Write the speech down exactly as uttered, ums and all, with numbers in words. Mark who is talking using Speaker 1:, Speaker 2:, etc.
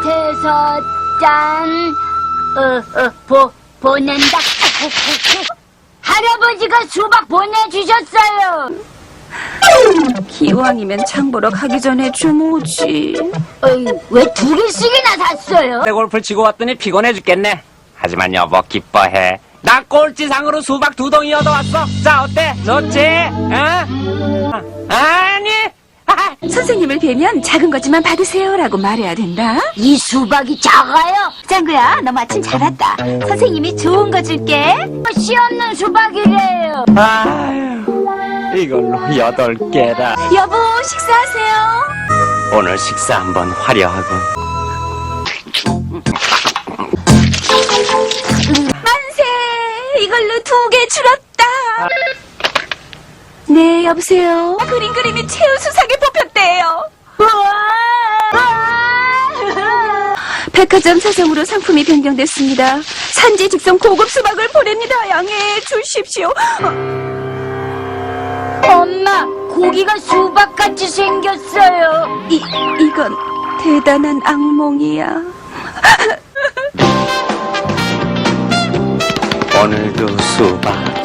Speaker 1: 마트에서 짠, 어, 어, 보, 보낸다. 할아버지가 수박 보내주셨어요.
Speaker 2: 기왕이면 장 보러 가기 전에 좀 오지.
Speaker 1: 어이, 왜 두 개씩이나 샀어요?
Speaker 3: 내 골프 치고 왔더니 피곤해 죽겠네. 하지만 여보 기뻐해. 나 꼴찌상으로 수박 두 동이 얻어왔어. 자 어때? 좋지? 어? 아니.
Speaker 2: 선생님을 뵈면 작은 거지만 받으세요라고 말해야 된다.
Speaker 1: 이 수박이 작아요?
Speaker 2: 짱구야, 너 마침 잘 왔다. 선생님이 좋은 거 줄게.
Speaker 1: 씨 없는 수박이래요.
Speaker 3: 아유, 이걸로 여덟 개라.
Speaker 2: 여보, 식사하세요.
Speaker 3: 오늘 식사 한번 화려하군.
Speaker 2: 만세! 이걸로 두 개 줄었다. 네, 여보세요. 그림 그림이 최우수상에 뽑혔대요. 백화점 사정으로 상품이 변경됐습니다. 산지 직송 고급 수박을 보냅니다. 양해해 주십시오.
Speaker 1: 엄마, 고기가 수박같이 생겼어요.
Speaker 2: 이, 이건 대단한 악몽이야.
Speaker 3: 오늘도 수박